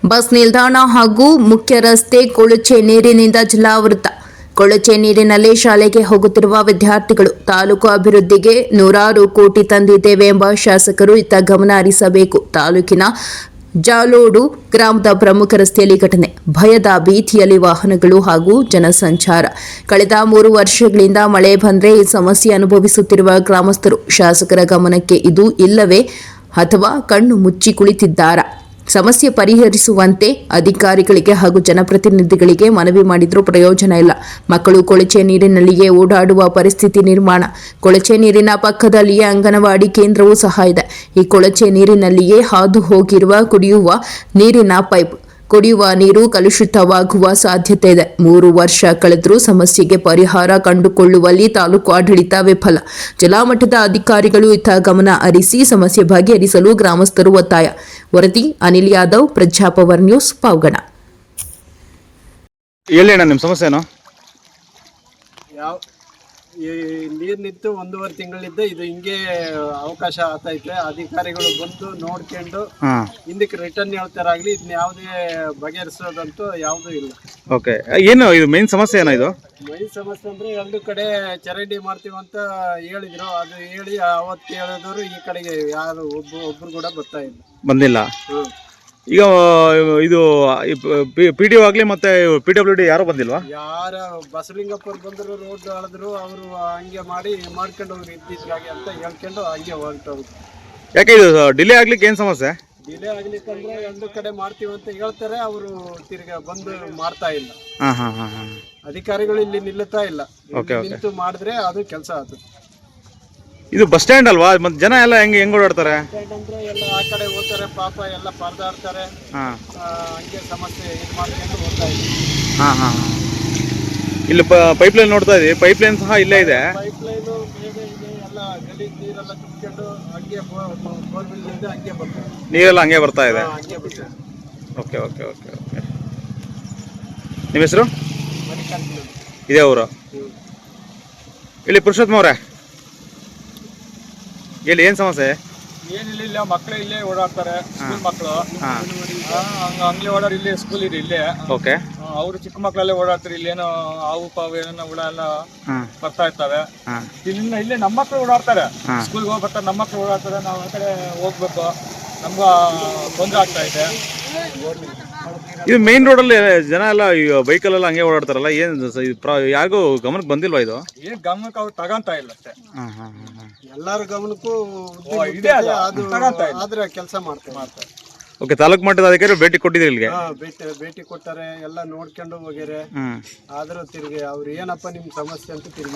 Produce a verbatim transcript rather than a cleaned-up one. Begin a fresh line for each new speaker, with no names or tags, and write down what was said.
Bus ನಿಲ್ದಾಣ ಹಾಗೂ ಮುಖ್ಯ ರಸ್ತೆ ಕೊಳಚೆ ನೀರಿನಿಂದ ಜಲಾವೃತ. ಕೊಳಚೆ ನೀರಿನಲ್ಲಿ ಶಾಲೆಗೆ ಹೋಗುತ್ತಿರುವ ವಿದ್ಯಾರ್ಥಿಗಳು. ತಾಲೂಕು ಅಭಿವೃದ್ಧಿಗೆ ನೂರಾರು ಕೋಟಿ ತಂದಿದ್ದೇವೆ ಎಂಬ ಶಾಸಕರು ಇತ್ತ ಗಮನ ಹರಿಸಬೇಕು. ತಾಲೂಕಿನ ಜಾಲೋಡು ಗ್ರಾಮದ ಪ್ರಮುಖ ರಸ್ತೆಯಲ್ಲಿ ಘಟನೆ. ಭಯದ ಭೀತಿಯಲ್ಲಿ ವಾಹನಗಳು ಹಾಗೂ ಜನಸಂಚಾರ. ಕಳೆದ ಮೂರು ವರ್ಷಗಳಿಂದ ಮಳೆ ಬಂದರೆ ಈ ಸಮಸ್ಯೆ ಅನುಭವಿಸುತ್ತಿರುವ ಗ್ರಾಮಸ್ಥರು ಶಾಸಕರ ಗಮನಕ್ಕೆ ಇದು ಇಲ್ಲವೇ ಅಥವಾ ಕಣ್ಣು ಮುಚ್ಚಿ ಕುಳಿತಿದ್ದಾರಾ? ಸಮಸ್ಯೆ ಪರಿಹರಿಸುವಂತೆ ಅಧಿಕಾರಿಗಳಿಗೆ ಹಾಗೂ ಜನಪ್ರತಿನಿಧಿಗಳಿಗೆ ಮನವಿ ಮಾಡಿದರೂ ಪ್ರಯೋಜನ ಇಲ್ಲ. ಮಕ್ಕಳು ಕೊಳಚೆ ನೀರಿನಲ್ಲಿಯೇ ಓಡಾಡುವ ಪರಿಸ್ಥಿತಿ ನಿರ್ಮಾಣ. ಕೊಳಚೆ ನೀರಿನ ಪಕ್ಕದಲ್ಲಿಯೇ ಅಂಗನವಾಡಿ ಕೇಂದ್ರವೂ ಸಹ ಇದೆ. ಈ ಕೊಳಚೆ ನೀರಿನಲ್ಲಿಯೇ ಹಾದು ಹೋಗಿರುವ ಕುಡಿಯುವ ನೀರಿನ ಪೈಪ್. ಕುಡಿಯುವ ನೀರು ಕಲುಷಿತವಾಗುವ ಸಾಧ್ಯತೆ ಇದೆ. ಮೂರು ವರ್ಷ ಕಳೆದರೂ ಸಮಸ್ಯೆಗೆ ಪರಿಹಾರ ಕಂಡುಕೊಳ್ಳುವಲ್ಲಿ ತಾಲೂಕು ಆಡಳಿತ ವಿಫಲ. ಜಲಮಟ್ಟದ ಅಧಿಕಾರಿಗಳು ಇತ್ತ ಗಮನ ಹರಿಸಿ ಸಮಸ್ಯೆ ಬಗೆಹರಿಸಲು ಗ್ರಾಮಸ್ಥರು ಒತ್ತಾಯ. ವರದಿ ಅನಿಲ್ ಯಾದವ್, ಪ್ರಜಾಪವರ್ ನ್ಯೂಸ್, ಪಾವಗಡ.
ಹೇಳಿ ನಿಮ್ಮ ಸಮಸ್ಯೆನೋ?
ಯಾವ ಈ ನೀರು ನಿಂತು ಒಂದೂವರೆ ತಿಂಗಳಿದ್ದ ಇದು ಹಿಂಗೆ ಅವಕಾಶ ಆಗ್ತೈತೆ. ಅಧಿಕಾರಿಗಳು ಬಂದು ನೋಡ್ಕೊಂಡು ಹಿಂದಕ್ಕೆ ರಿಟರ್ನ್ ಹೇಳ್ತಾರಾಗ್ಲಿ, ಇದನ್ನ ಯಾವುದೇ ಬಗೆಹರಿಸೋದಂತೂ ಯಾವುದೂ ಇಲ್ಲ.
ಓಕೆ, ಏನು ಇದು ಮೇನ್ ಸಮಸ್ಯೆ ಏನೋ? ಇದು
ಮೈನ್ ಸಮಸ್ಯೆ ಅಂದ್ರೆ ಎರಡು ಕಡೆ ಚರಂಡಿ ಮಾಡ್ತೀವಿ ಅಂತ ಹೇಳಿದ್ರು. ಅದು ಹೇಳಿ ಅವತ್ತು ಹೇಳಿದವರು ಈ ಕಡೆಗೆ ಯಾರು ಒಬ್ಬ ಒಬ್ರು ಕೂಡ ಬರ್ತಾ ಇಲ್ಲ,
ಬಂದಿಲ್ಲ.
ಹ್ಮ್
ಈಗ ಇದು ಪಿ ಡಿ ಒ ಆಗಲಿ ಮತ್ತೆ ಪಿ ಡಬ್ಲ್ಯೂ ಡಿ ಯಾರು ಬಂದಿಲ್ವಾ?
ಯಾರ ಬಸಲಿಂಗಪ್ಪರು ಬಂದರು, ರೋಡ್ ಅಳಿದ್ರು, ಅವರು ಹಂಗೆ ಮಾಡಿ ಮಾಡ್ಕೊಂಡು ಹೋಗಿ ಇದ್ದಿದ್ದಾಗೆ ಅಂತ ಹೇಳ್ಕೊಂಡು ಹಂಗೆ ಹೊರಟೋದ್ರು.
ಯಾಕೆ ಇದು ಡಿಲೇ ಆಗ್ಲಿಕ್ಕೆ ಏನು ಸಮಸ್ಯೆ?
ಡಿಲೇ ಆಗ್ಲಿಕ್ಕಂದ್ರೆ ಎರಡು ಕಡೆ ಮಾಡ್ತೀವಿ ಅಂತ ಹೇಳ್ತಾರೆ, ಅವರು ತಿರ್ಗಾ ಬಂದು ಮಾಡ್ತಾ ಇಲ್ಲ.
ಹಾಂ ಹಾಂ ಹಾಂ ಹಾಂ
ಅಧಿಕಾರಿಗಳು ಇಲ್ಲಿ ನಿಲ್ಲುತ್ತಾ ಇಲ್ಲ. ನಿಂತು ಮಾಡಿದ್ರೆ ಅದು ಕೆಲಸ ಆಗುತ್ತೆ.
ಇದು ಬಸ್ ಸ್ಟ್ಯಾಂಡ್ ಅಲ್ವಾ? ಮತ್ತೆ ಜನ ಎಲ್ಲ ಹೆಂಗೆ ಹೆಂಗ್ ಓಡಾಡ್ತಾರೆ?
ಅಂದ್ರೆ ಎಲ್ಲ ಆ ಕಡೆ ಹೋಗ್ತಾರೆ, ಪಾಪ ಎಲ್ಲ ಪರದಾಡ್ತಾರೆ. ಹಂಗೆ ಸಮಸ್ಯೆ ಇದು ಮಾಡ್ಕೊಂಡು ಹೋಗ್ತಾ ಇದ್ದೀವಿ.
ಹಾಂ ಹಾಂ ಹಾಂ ಇಲ್ಲಿ ಪೈಪ್ ಲೈನ್ ನೋಡ್ತಾ ಇದೀವಿ. ಪೈಪ್ ಲೈನ್ ಸಹ ಇಲ್ಲೇ ಇದೆ.
ಪೈಪ್ ಲೈನು ಬೇಗ ಇದೆ, ಎಲ್ಲ ಗಲೀಜ್ ನೀರೆಲ್ಲ ತುಂಬಿಕೊಂಡು ಹಂಗೆ ಬೋರ್ವೆಲ್ ಹಂಗೆ ಬರ್ತದೆ.
ನೀರೆಲ್ಲ ಹಂಗೆ ಬರ್ತಾ ಇದೆ.
ಹಂಗೆ ಬರ್ತದೆ.
ಓಕೆ ಓಕೆ ಓಕೆ ಓಕೆ ನಿಮ್ಮ ಹೆಸರು?
ಮಣಿಕಂಠ
ಇದೇ ಊರು. ಇಲ್ಲಿ ಪುರುಷೋತ್ತಮ ಅವರೇ, ಇಲ್ಲಿ ಏನು ಸಮಸ್ಯೆ?
ಏನಿಲ್ಲ, ಇಲ್ಲ ಮಕ್ಕಳು ಇಲ್ಲೇ ಓಡಾಡ್ತಾರೆ, ಸ್ಕೂಲ್ ಮಕ್ಕಳು. ಹಂಗೆ ಓಡಾಡಿ ಇಲ್ಲಿ ಸ್ಕೂಲ್ ಇದೆ ಇಲ್ಲೇ.
ಓಕೆ,
ಅವರು ಚಿಕ್ಕ ಮಕ್ಕಳಲ್ಲೇ ಓಡಾಡ್ತಾರೆ. ಇಲ್ಲೇನೋ ಹಾವು ಪಾವು ಏನೋ ಹುಳ ಎಲ್ಲ ಬರ್ತಾ ಇರ್ತವೆ. ಇಲ್ಲಿಂದ ಇಲ್ಲೇ ನಮ್ಮ ಮಕ್ಕಳು ಓಡಾಡ್ತಾರೆ, ಸ್ಕೂಲ್ಗೆ ಹೋಗಿ ಬರ್ತಾರೆ. ನಮ್ಮ ಮಕ್ಕಳು ಓಡಾಡ್ತಾರೆ, ನಾವು ಆ ಕಡೆ ಹೋಗ್ಬೇಕು, ನಮ್ಗ ತೊಂದರೆ ಆಗ್ತಾ ಇದೆ.
ಇದು ಮೇನ್ ರೋಡಲ್ಲಿ ಜನ ಎಲ್ಲ ಬೈಕಲ್ಲೆಲ್ಲ ಹಂಗೆ ಓಡಾಡ್ತಾರಲ್ಲ, ಏನು ಯಾರಿಗೂ ಗಮನಕ್ಕೆ ಬಂದಿಲ್ವಾ ಇದು?
ಏನ್ ಗಮನಕ್ಕೆ ಅವ್ರು ತಗೊಂತ ಇಲ್ಲ ಅಷ್ಟೇ.
ಎಲ್ಲಾರ ಗಮನಕ್ಕೂ
ಇದೆ, ಅದು
ಆದ್ರೆ ಕೆಲಸ ಮಾಡ್ತಾರೆ.
ಓಕೆ, ತಾಲೂಕು ಮಟ್ಟದ ಅಧಿಕಾರಿ ಭೇಟಿ ಕೊಟ್ಟಿದ್ದೀರಿ ಇಲ್ಲಿಗೆ?
ಭೇಟಿ ಭೇಟಿ ಕೊಟ್ಟಾರೆ, ಎಲ್ಲ ನೋಡ್ಕೊಂಡು ಹೋಗ್ಯಾರೆ. ಆದ್ರೂ ತಿರ್ಗಿ ಅವ್ರು ಏನಪ್ಪ ನಿಮ್ ಸಮಸ್ಯೆ ಅಂತ ತಿರ್ಗಿ